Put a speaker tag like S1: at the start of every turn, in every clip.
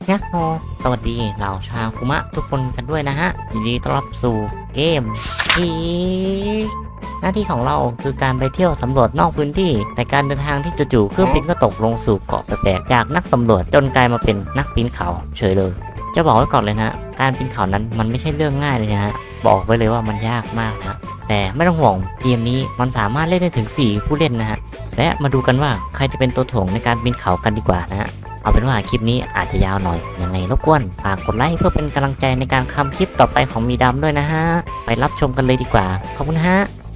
S1: ยะโฮสวัสดีเหล่าชาวคุมะทุกคนกันด้วยนะฮะยินดีต้อนรับสู่เกมอีกหน้าที่ของเราคือการไปเที่ยวสำรวจนอกพื้นที่แต่การเดินทางที่จู่ๆเครื่องบินก็ตกลงสู่เกาะแปลกๆจากนักสำรวจจนกลายมาเป็นนักปีนเขาเฉยเลยจะบอกไว้ก่อนเลยนะการปีนเขานั้นมันไม่ใช่เรื่องง่ายเลยนะบอกไว้เลยว่ามันยากมากนะแต่ไม่ต้องห่วงเกมนี้มันสามารถเล่นได้ถึง4ผู้เล่นนะฮะและมาดูกันว่าใครจะเป็นตัวถ่วงในการปีนเขากันดีกว่านะฮะ เอาเป็นว่าคลิปนี้อาจจะยาวหน่อยยังไงรบกวนฝากกดไลค์เพื่อเป็นกำลังใจในการทำคลิปต่อไปของมีดำด้วยนะฮะไปรับชมกันเลยดีกว่าขอบคุณฮะ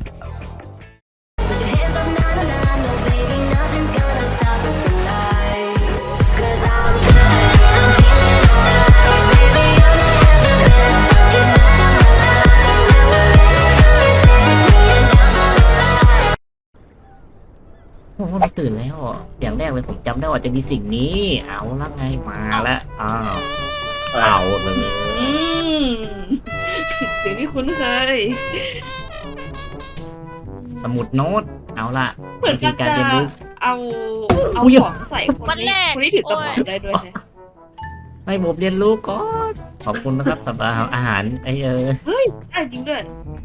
S1: โอ้โหตื่นแล้วอย่างแรกเลยผมจำได้ว่าจะมีสิ่งนี้เอาละไงมาแล้วเอาเลย
S2: อืมเสียงที่คุ้นเคย
S1: สมุดโน้ตเอาละ
S2: เหมือน
S1: วิธี
S2: มัน
S1: การ
S2: จะ
S1: เรียนรู้
S2: เอาเอา
S1: อุ๊ย
S2: ของใส่คนที่ถือกระเป๋าได้ด้วยใช่ไหม
S1: ให้ผมเรียนรู้ก่อนขอบคุณนะครับสำหรับอาหาร
S2: เฮ้ยได้จริงด้วย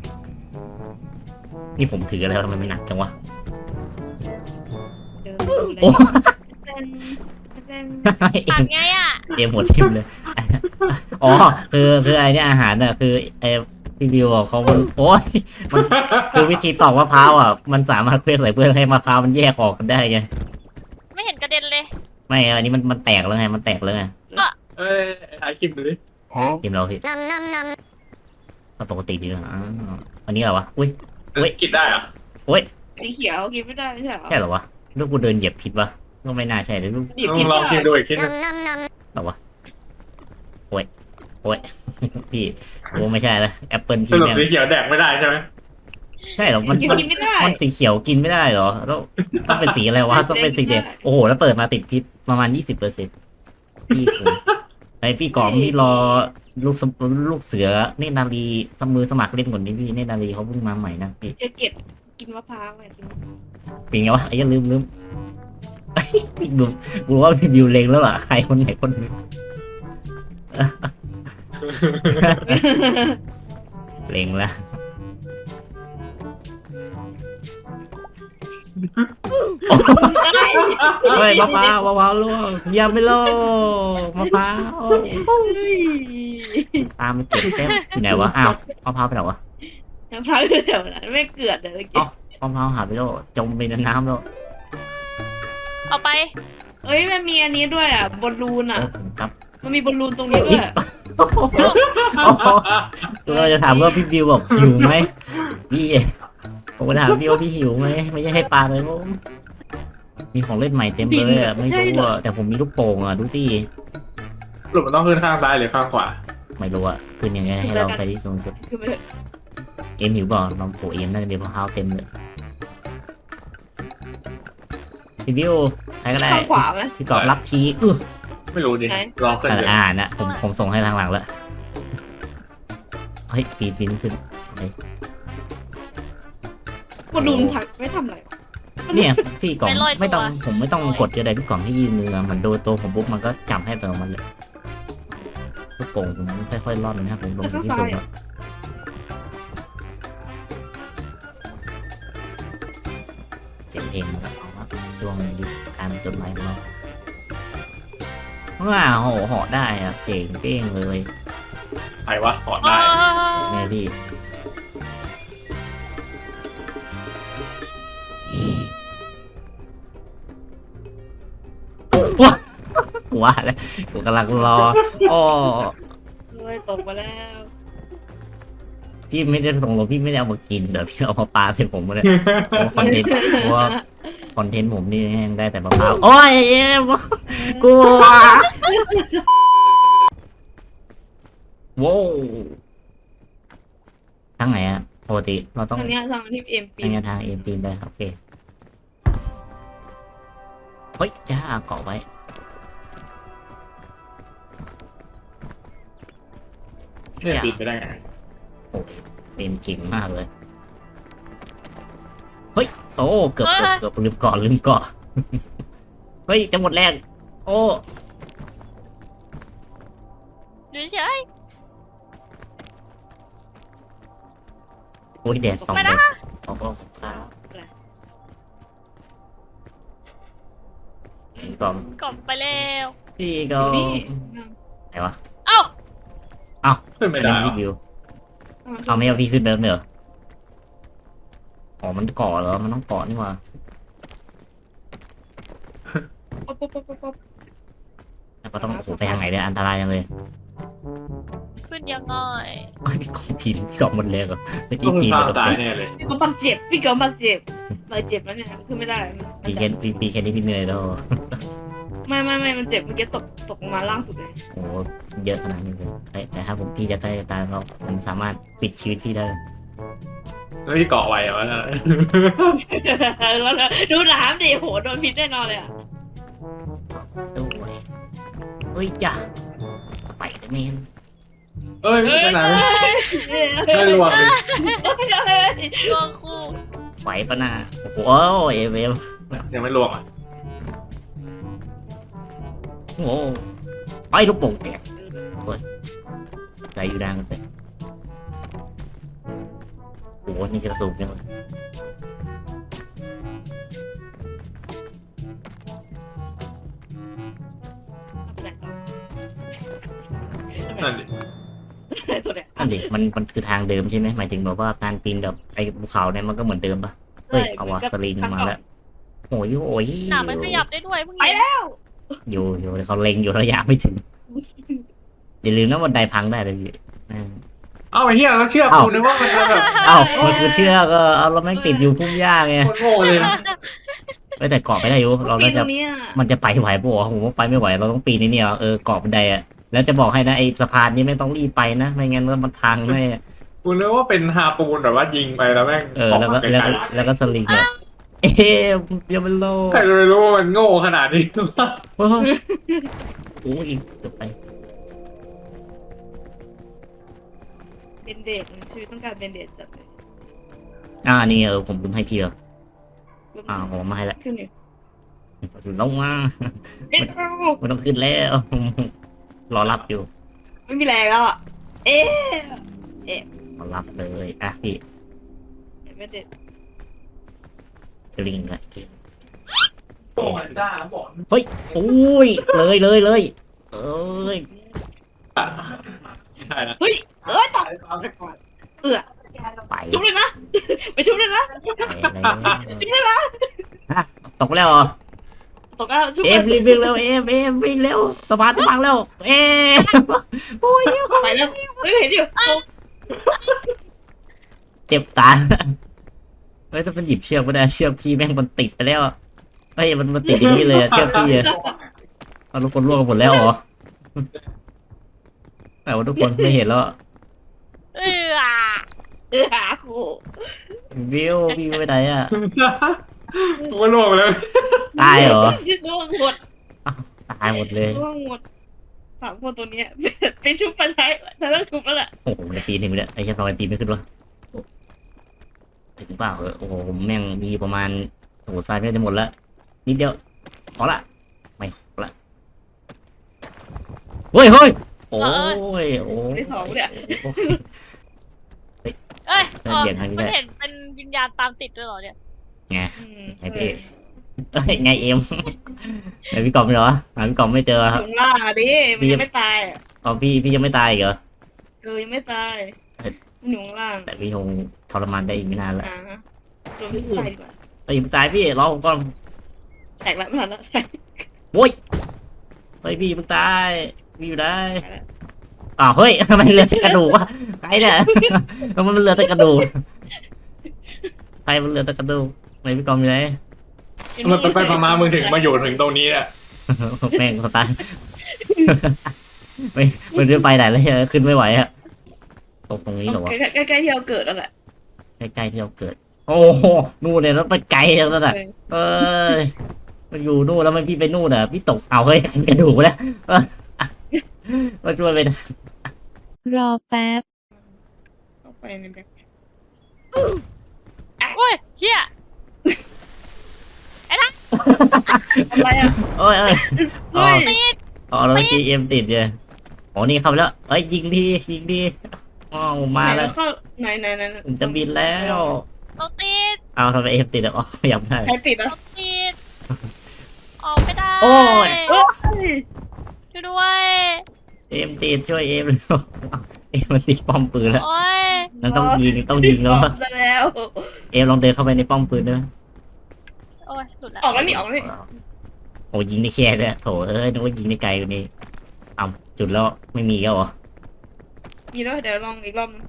S1: นี่ผมถืออะไรวะทำไมมันหนักจังวะ
S2: เดิน
S1: โอ้
S2: เต้นเต้น
S1: เอ็
S3: ตั
S1: ม
S3: ดไงอ่ะ
S1: เอ็มหัวทิ่มเลยอ๋อคือไอเนี่ยอาหารน่ะคือไอพี่บิวบอกเขามันโอ้ยมันคือวิธีตอกมะพร้าวอ่ะมันสามารถเคลื่อนใส่เพื่อให้มะพร้าวมันแยกออกกันได้ไง
S3: ไม่เห็นกระเด็นเลย
S1: ไม่อันนี้มันแตกแล้วไงมันแตกแล้วไง
S4: เอ้ยถ่ายคลิปดูดิ
S1: จิมเราพี่
S3: นำนำน
S1: ก็ปกติดีนะอันนี้เหรอวะอุ้ย
S4: กินได้เหรอ
S2: สีเขียวกินไม่ได้ไม่ใช่เหรอ
S1: ใช่เหรอวะลูกกูเดินเหยียบผิดวะก็ไม่น่าใช่เลยลูก
S2: หยิบกิน
S4: ลอง
S2: ได้
S4: กินดูอีกทีนึง
S3: ำนำน
S1: เหรอวะโอ้ยพี่โอ้ไม่ใช่แล้วแอปเปิล
S4: ส
S1: พี่
S4: รุป
S1: แม่ง
S4: สีเขียวแดกไม่ได้ใช่ไหม
S1: ใช่เหรอมัน
S2: กินไม่ได้
S1: มันสีเขียวกินไม่ได้เหรอต้องเป็นสีอะไรวะต้องเป็นสีแดงโอ้โหแล้วเปิดมาติดพิษประมาณ20%พี่ผมไอพี่กอมพี่รอลูกเสือเนตรนารีมือสมัครเล่นก่อนนี้พี่เนตรนารีเขาเพิ่งมาใหม่นะพี่
S2: จะเก็บกินมะพร้าวไงกินมะพร้าว
S1: เป็นไงวะไอ้ยังลืมไอ้พี่ดูกูว่าพี่บิวเลงแล้วล่ะใครคนไหนคนหนึงเลงแล้วเฮ้ยมะพร้าวล่วงอย่าไม่ล่วงมะพร้าว
S2: เฮ้ย
S1: ตามไปเก็บเต็มอยู่ไหนวะอ้าวมะพร้าวไปไหนวะ
S2: มะพร้าวอยู่แถวนั้นไม่เกลือดเลยเมื่อกี้
S1: มะพร้าวหายไปแล้วจมไปในน้ำแล้ว
S3: ำเอาไป
S2: เอ้ยมันมีอันนี้ด้วยอ่ะบอลลูนอ่ะ
S1: โอ้ครับ
S2: มันมีบอลลูนตรงนี้ด้วย
S1: โอ้โหเราจะถามว่าพี่บิวบอกหิวไหมพี่ผมก็ถามพี่ว่าพี่หิวไหมไม่ใช่ให้ปลาเลยผมมีของเล่นใหม่เต็มเลยอ่ะไม่รู้อ่ะแต่ผมมีลูกโป่งอ่ะดูสิ
S4: สรุปมันต้องขึ้นข้างซ้ายหรือข้างขวา
S1: ไม่รู้อ่ะขึ้นยังไงให้ลองไปที่สูงสุด
S2: คือมัน
S1: เอ็มหิวก่อนลองโผล่เอ็มน่าจะมีมะพร้าวเต็มเลยพี่บิวใครก็ได้
S2: ข้างขวาไหม
S1: พี่กอบรับที
S4: ไม่รู้ดิ
S2: ไหน
S4: ลองขึ้นเดี๋ยว
S1: นะผมส่งให้ทางหลังแล้วเฮ้ยปีนขึ้น
S2: บอลลูนถักไม่ทำอะไรหรอ
S1: เนี่ยพี่กล่องไม่ต้องผมไม่ต้องกดอะไรพี่กล่องที่ยืนเนื้อมันโดนตัวผมปุ๊บมันก็จับให้ตัวมันเลยลูกโป่งผมค่อยๆร่อนนะครับผมลงที่สูงเสียงเพลงมันก็ออกมาช่วงยุคการจดหมายของเราว้าวเหาะได้อะเจ๋งเป้งเลย
S4: ใครวะถอด
S3: เอ
S4: ได้
S1: แม่พี่ว่าแล้วกูกำลังรออ้อ
S2: เฮ้ยตกมาแล้ว
S1: พี่ไม่ได้ส่งลงพี่ไม่ได้เอามากินเดี๋ยวพี่เอามาปาใส่ผมเลยคอนเทนต์เพราะว่าคอนเทนต์ผมนี่แห้งได้แต่มะพร้าวโอ้ยเอ็มกลัวว้าวทางไหนอะปกติเราต้อง
S2: ทางเนี้ยทางที่เอ็มปี
S1: ทางทางเอ็มปีนได้โอเคเฮ้ยจ้าเกาะไว้
S4: เนี่ยปิดไปได้ไง
S1: โอ้ยเป็นจริงมากเลยเฮ้ยโอ้เกือบลืมเกาะเฮ้ยจะหมดแรงโอ้
S3: อยู่เฉย
S1: โอ้ยแดดส่อง
S3: ไม่
S1: เล
S3: นะ
S1: ยโอ้โหฟ้าพี่กอม
S3: กลับไปแล้ว
S1: พี่
S2: อก
S1: อยู่
S2: นี่
S1: ไหนวะ
S3: เอ้า
S4: ขึ้นไม่ได้
S1: อันนี้
S4: เหรอ
S1: พี่วิวเอาไม่เอาพี่ขึ้นเดิมเลยเหรออ๋อมันเกาะเหรอมันต้องเกาะนี่หว่า
S2: ป๊อปป๊อปป๊อปป๊อป
S1: แล้วก็ต้องโอ้โหไปทางไหนเนี่ยอันตรายจังเลย
S3: ขึ้นยังไง
S1: โอ้ยพี่กอมปีนพี่กอมหมดเลยเหรอเมื่อ
S4: ต้
S1: กี้
S4: อง
S1: ปีน
S4: ตา
S1: ไป
S4: ย
S1: ตรง
S4: ตายแน่เลย
S2: พี่ก็บักเจ็บพี่ก็บักเจ็บบักเจ็บแล้วเนี่ยขึ้นไม่ได้
S1: ปีแค่ปีแค่นี้พี่เหนื่อยแล้ว
S2: ไม่มันเจ็บเมื่อกี้ตกมาล่างสุดเลย
S1: โอ้โหเยอะขนาดนี้เลยเอ้ยแต่ถ้าผมพี่จะใกล้ตายแล้วมันสามารถปิดชีวิตพี่ได้
S4: แล้วที่เกาะไว้เหรอน่ะ
S2: แล้วดูน้ำดิโหโดนพิษแน่นอนเลยอ่ะ
S1: ด้วยเฮ้ยจ้ะไปเลยแมน
S4: เอ้ยไม่เป็นไรไม่รวมเลย
S3: ตัวคู่
S1: ไหวปะน่ะโอ้โหโอ้ยเอฟ
S4: ยังไม่รวมอ่ะ
S1: โอ้โหไปลูกโป่งแตกโอ้ยใจอยู่ดังไปโอ้โหนี่จะสูบยังไง
S4: นั่นดิ
S2: ตัวเนี้ย
S1: นั่นดิมันคือทางเดิมใช่ไหมหมายถึงแบบว่าการปีนแบบไอ้ภูเขาเนี่ยมันก็เหมือนเดิมปะเฮ้ยเอาวะสลิงมาแล้วโอ้ยโอ้ย
S3: หนามันขยับได้ด้วยเพิ่ง
S2: ไป
S3: เห็น
S2: แล้ว
S1: อยู่เขาเล็งอยู่ระยะไม่ถึงอย่าลืมนะบันไดพังได้เลยพี่อ่า
S4: เอ้าไอ้เหี้ยแล้วเชื่อกูนึกว่ามันจะแบบ
S1: เอ้ามันคือเชือกเอาเราแม่งติดอยู่พุ่มหญ้าไง
S4: โคตรโง่เลยนะ
S1: เอ้ยแต่เกาะไม่ได้อยู่เรา
S2: ปี
S1: น่า
S2: ต
S1: จะ
S2: รงเนี้ย
S1: มันจะไปไหวปะวะผมว่าไปไม่ไหวเราต้องปีนนี่เนี่ยเกาะบันไดอะแล้วจะบอกให้นะไอ้สะพานนี้ไม่ต้องรีบไปนะไม่งั้นมันพังแน่
S4: กูนึกว่าเป็นฮาปูนแบบว่ายิงไปแล้วแม่ง
S1: แล้วก็แล้วก็สลิงเนี่ยเอ๊ะยังไม่โล
S4: ใครจะไปรู้ว่ามันโง่ขนาดนี้
S1: โอ้โหโอ้ยเกือบไป
S2: เบนเดดชีวิตต้องการเบนเดดจัดเลย
S1: นี่ผมลืมให้พี่เหรอผมมาให้ละ
S2: ขึ้นอยู่
S1: ลงมาไม่ต้องขึ้นแล้วรอรับอยู่
S2: ไม่มีแรงแล้วอ่ะเอ๊ะ
S1: รอรับเลยพี่
S2: เบนเดด
S1: สลิงละ
S4: โอ้ยได้แล้วบอก
S1: เฮ้ยโอ้ยเลยเอ้ย
S4: ใช่แล้ว
S2: ตก
S1: ไป
S2: ชุบเลยนะไปชุบเลยนะ ชุบเลยนะ
S1: ตกแล้วเหรอ
S2: ตกแล้วชุบ
S1: เอฟรีบวิ่งเร็วเอฟวิ่งเร็วสะพานจะพังแล้วโอ้ย
S2: ไปแล้วเห็นอยู่
S1: เจ็บตาเฮ้ยถ้ามันหยิบเชือกไม่ได้เชือกพี่แม่งมันติดไปแล้วเฮ้ยมันติดอย่างนี้เลยเชือกพี่เอาทุกคนร่วงกันหมดแล้วเหรอแต่ว่าทุกคนไม่เห็นแล้ว
S2: หาครู
S1: วิวไปไหนอ่ะ
S4: กูก็ล่วงไปแล้ว
S1: ตายเหรอ
S2: ล่วงหมด
S1: ตายหมดเลย
S2: ล่วงหมด3 คนตัวเนี้ยไปชุบไปท้ายแต่ต้องชุบแล้วแหละ
S1: โอ้โหในปีนถึงเนี่ยไอ้เชี่ยทำไมปีนไม่ขึ้นวะถึงเปล่าโอ้โหผมแม่งมีประมาณโอ้โหทรายไม่จะหมดแล้วนิดเดียวขอละไม่ขอละเฮ้ยโอ้ย
S2: ได้2เนี่ย
S3: เอ้ย
S1: เปลี่ยนทางนี้
S3: มัน
S1: ได้
S3: เห็นเป็นวิญญาณตามติดด้วยเหรอเนี่ย
S1: ไงพี่ไงเอ็มไอพี่กอมเหรอหาพี่กอมไม่เจอครับ
S2: ถึงล่าดิมันยังไม่ตาย
S1: อ๋อพี่ยังไม่ตายเหรอ
S2: ยังไม่ตายมันอยู่ข้างล่าง
S1: แต่พี่คงทรมานได้อีกไม่นานละ
S2: รวมที่ตายดีกว่า
S1: เฮ้ยตายพี่รอผมก่อน
S2: แตกแล้วไม่ทันแล้ว
S1: โว้ยเฮ้ยพี่มึงตายพี่อยู่ได้เฮ้ยทำไมเหลือแต่กระดูกวะใครเนี่ยมันเหลือแต่กระดูกใครมันเหลือแต่กระดูกไหนพี่กอมอยู่ไหน
S4: มันไปมามึงถึงมาอยู่ถึงตรงนี้เนี่ย
S1: แม่งสตาร์ไม่มันจะไปไหนแล้วขึ้นไม่ไหวอะตรงนี้เหรอวะ
S2: ใกล้ๆที่เราเกิดแล้วแหละ
S1: ใกล้ๆที่เราเกิดโอ้โหนู่นเนี่ยแล้วไปไกลแล้วน่ะเอ้ยมันอยู่นู่นแล้วมันพี่ไปนู่นอ่ะพี่ตกเฮ้ยกระดูกแล้วมาช่วยไป
S5: รอแป๊บ
S2: เข้าไปในแบบ
S3: โอ้ยเฮีย
S2: อะไรอ่ะ
S1: โอ้ย
S2: เฮ้ย
S3: ติด
S1: แล้วเมื่อกี้เอ็มติดเลยอ๋อนี่เข้าไปแล้วเอ้ยยิงดีอ๋อมา
S2: ไหน
S1: แล้
S2: เรา
S1: ว
S2: เข้าไหน
S1: ผมจะบินแล้ว
S3: เราติด
S1: เอาทำไมเอฟติดอ่ะอ๋อยังไม่ได้
S2: ใครติด
S3: เรา
S2: อ่ะ
S3: ติดออกไม่ได้
S1: โอ้ย
S2: เอ้ย
S3: ช่วยด้วย
S1: เอมติดช่วยเอมเลยเอมมันติดป้อมปืนแล้ว
S3: โอ้ย
S1: มันต้องยิงแล้ว
S2: ออกแล้ว
S1: เอมลองเดินเข้าไปในป้อมปืนด้วย
S3: โอ้ยหลุดแล้ว
S2: ออกแล้วนี่ออกแล้วนี่
S1: โอ้ยิงได้แค่เลยโถเอ้ยนึกว่ายิงได้ไกลกว่านี้อ้าวจุดแล้วไม่มีแล้วเหรอ
S2: มีแล้วเดี๋ยวลองอีกรอบนึง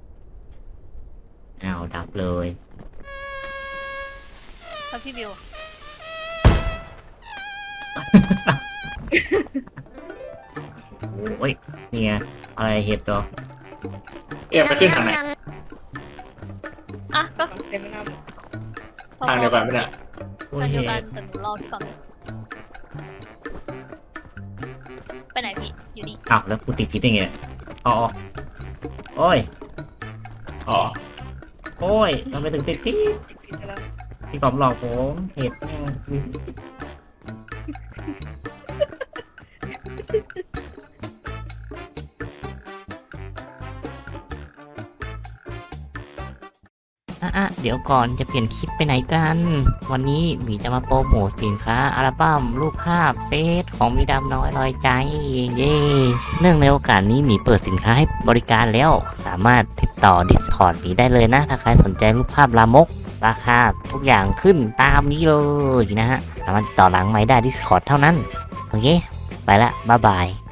S1: อ้าวดับเลย
S3: ครับพี่บิว
S1: โอ้ยเนี่ยอะไรเห็ดเหรอ
S4: เอ็มไปขึ้นทางไหน
S3: อ่ะก็
S2: เต็มน้
S4: ทางเดียวกันไม่ได้
S1: โอ้
S3: ทาย งเดียว
S1: เห็
S3: กัน
S1: ด
S3: แต่หนูรอพี่ก่อนไปไหนพี่อยู่นี่
S1: อ้าวแล้วกูติดพิษได้ไงอ๋อโอ้ย
S4: อ๋อ
S1: โอ้ยทำไมถึงติดพิษ
S2: ำติดผิดซะแล้ว
S1: พี่กอมหลอกผมเห็ดเนี่ยเดี๋ยวก่อนจะเปลี่ยนคลิปไปไหนกัน วันนี้หมีจะมาโปรโมทสินค้าอัลบั้มรูปภาพเซตของมีดำน้อยลอยใจ เย้เนื่องในโอกาสนี้หมีเปิดสินค้าให้บริการแล้ว สามารถติดต่อ Discord หมีได้เลยนะ ถ้าใครสนใจรูปภาพลามก ราคาทุกอย่างขึ้นตามนี้เลยนะฮะ สามารถติดต่อหลังไมค์ได้ Discord เท่านั้น โอเค ไปละ บ๊ายบาย